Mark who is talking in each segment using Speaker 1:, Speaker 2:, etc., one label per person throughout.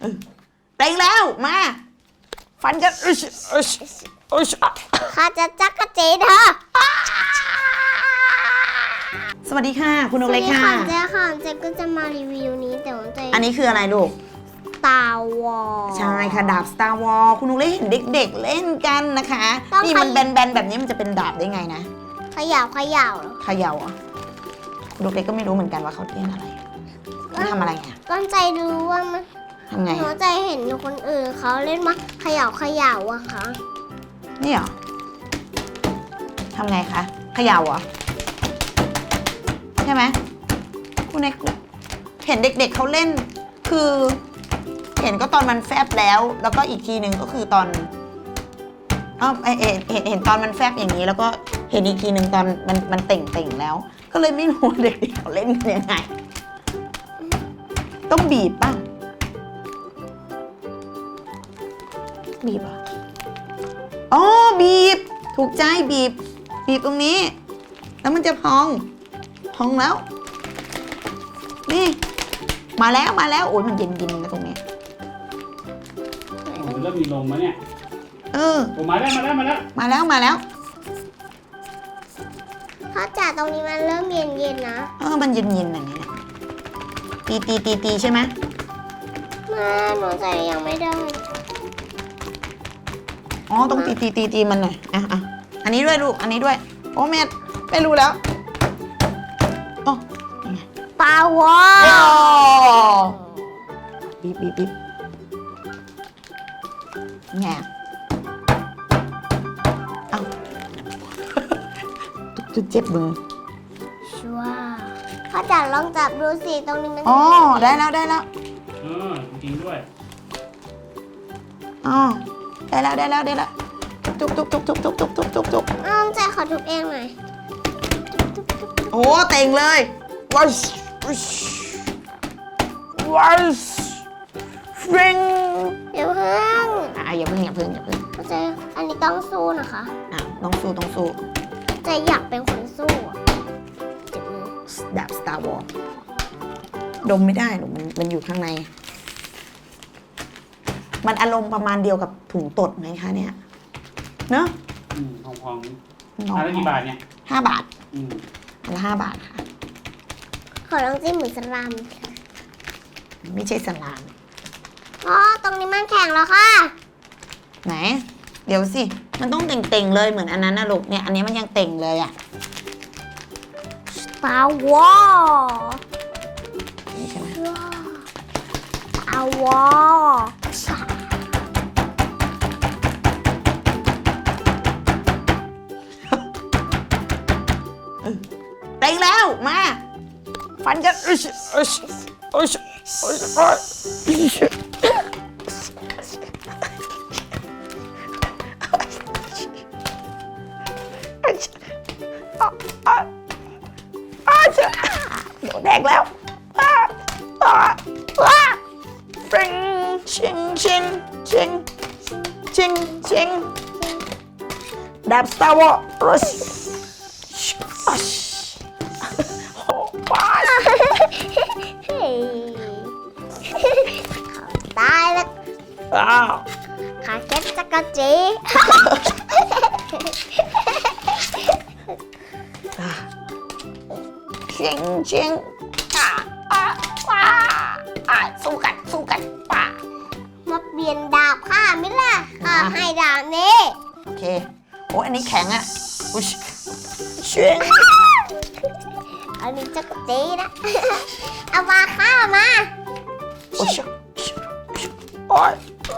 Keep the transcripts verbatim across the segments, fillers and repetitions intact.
Speaker 1: เต็งแล้วมาฟันกัน
Speaker 2: ข้าจะจักกะเจเธอ
Speaker 1: สวัสดีค่ะคุณนกเล็กค่ะ
Speaker 2: สวัสดีค่ะเจ๊ค่ะเจ๊ก็จะมารีวิวนี้แต่ว่าเจ๊
Speaker 1: อันนี้คืออะไรลูก
Speaker 2: Star Wars
Speaker 1: ใช่ค่ะดาบ Star Wars คุณนกเล็กเห็นเด็กๆเล่นกันนะคะนี่มันแบนๆแบบนี้มันจะเป็นดาบได้ไงนะ
Speaker 2: ขย่าวขย่าว
Speaker 1: ขย่าอ่ะคุณนกเล็กก็ไม่รู้เหมือนกันว่าเขาเล่นอะไรเขาทำอะไรไง
Speaker 2: ก้อนใจรู้ว่ามัน
Speaker 1: ทำไง
Speaker 2: หัวใจเห็นอยู่คนอื่นเขาเล่นมาขย่าวขย่าวอะค่ะ
Speaker 1: นี่เหรอทำไงคะขย่าอ่ะใช่ไหมคุณเอกเห็นเด็กๆเขาเล่นคือเห็นก็ตอนมันแฟบแล้วแล้วก็อีกทีหนึ่งก็คือตอนอ๋อเห็นเห็นเห็นตอนมันแฟบอย่างนี้แล้วก็เห็นอีกทีหนึ่งตอนมันมันเต่งเต่งแล้วก็เลยไม่รู้เด็กๆเขาเล่นกันยังไงต้องบีบป่ะบีบอ่ะอ๋อบีบถูกใจบีบบีบตรงนี้แล้วมันจะพองพองแล้วนี่มาแล้วมาแล้วโอ้ยมันเย็นเย็นนะตรงนี้
Speaker 3: มันเริ่มมีลมแล้วเนี่ย
Speaker 1: เออ
Speaker 3: โอ้มาแล้วมาแล้วมาแล้ว
Speaker 1: มาแล้วมาแล้ว
Speaker 2: พ่อจ๋าตรงนี้มันเริ่มเย็นเย็นนะ
Speaker 1: เออมันเย็นเย็นอย่างนี้นะตีตีตีตีใช่ไหม
Speaker 2: มาหนูใจยังไม่ได้
Speaker 1: อ๋อต้องตีตีตีตีมันหน่อยอ่ะอ่ะอันนี้ด้วยลูกอันนี้ด้วยโอ้แม่ไม่รู้แล้วอ๋อ
Speaker 2: ปลาวอ
Speaker 1: บีบบีบบีบแง่เอ้าจุดเจ็บมือ
Speaker 2: ชัวพ่อจ๋าลองจับดูสิตรงนี้มัน
Speaker 1: อ๋อได้แล้วได้แล้ว
Speaker 3: เออจริงด้วย
Speaker 1: อ๋อได้แล้วได้แล้วได้แล้วจุกจุกจุกจุกจุกจุกจุกจุกจุก
Speaker 2: อ้าวใจขอทุบเองหน่อย
Speaker 1: โอ้เต่งเลยว้าวว้าวฟิง
Speaker 2: อย่าเพิ่ง
Speaker 1: อ่ะอย่าเพิ่งอย่าเพิ่งอย่าเพิ่ง
Speaker 2: เข้าใจอันนี้ต้องสู้นะคะ
Speaker 1: อ่ะต้องสู้ต้องสู้
Speaker 2: ใจอยากเป็นคนสู้เจ็บมือ
Speaker 1: ดาบ Star Wars ดมไม่ได้หรอกมันมันอยู่ข้างในมันอารมณ์ประมาณเดียวกับถุงตดไหมคะเนี่ยเนอะ
Speaker 3: อืมพองๆอันละกี่บาทเนี่ย
Speaker 1: ห้าบาท
Speaker 3: อืม
Speaker 1: อันละห้าบาทค่ะ
Speaker 2: ขอลองจิ้มเหมือนสลามค่ะ
Speaker 1: ไม่ใช่สลาม
Speaker 2: อ๋อตรงนี้มันแข็งแล้วค่ะ
Speaker 1: ไหนเดี๋ยวสิมันต้องเต่งๆเลยเหมือนอันนั้นนะลูกเนี่ยอันนี้มันยังเต่งเลยอ่ะ
Speaker 2: Star Wars
Speaker 1: นี่ใช่ไหม
Speaker 2: Star Wars
Speaker 1: เต่งแล้วมาฟันกันอึชอึชอึชอึชเดี๋ยวแดกแล้วว้าว้าว้าฟริงชิงชิงชิงชิงชิงดาบ Star Wars
Speaker 2: ตายแล้วขาเก็บจักรจี
Speaker 1: เชียงเชียงอ่าอ่าอ่าอ่าสู้กันสู้กันป่า
Speaker 2: มาเปลี่ยนดาบข้ามิล่ะข้าให้ดาบนี้
Speaker 1: โอเคโอ้อันนี้แข็งอ่ะอุ้ยเชียง
Speaker 2: อันนี้จักรจีนะเอามาข้ามา
Speaker 1: โอ้ยโอ้ย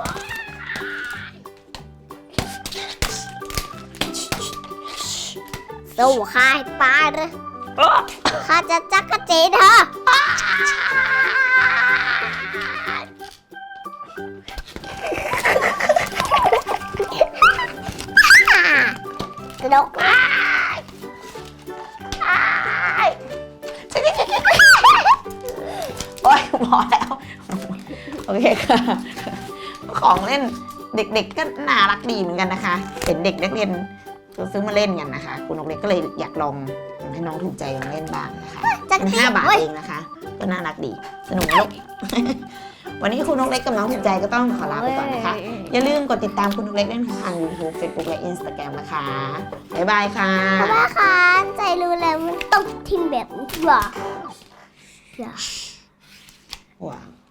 Speaker 2: สู้ข้าให้ตายเลยข้าจะจักรจีเธอสนุก
Speaker 1: โอ้ยพอแล้วโอเคค่ะของเล่นเด็กๆก็น่ารักดีเหมือนกันนะคะเห็นเด็กนักเรียนซื้อมาเล่นกันนะคะคุณนกเล็กก็เลยอยากลองให้น้องถูกใจลองเล่นบ้างนะคะเป็นห้าบาทเองนะคะก็น่ารักดีสนุกไหมลูกวันนี้คุณนกเล็กกับน้องถูกใจก็ต้องขอลาไปก่อนนะคะ อย่าลืมกดติดตามคุณนกเล็กด้วยทาง YouTube Facebook และ Instagram นะคะ บ๊ายบายค่ะ
Speaker 2: เพราะว่าค่ะใจรู้แล้วมันต้องทิ้งแบบนี้หรอ
Speaker 1: ว้าว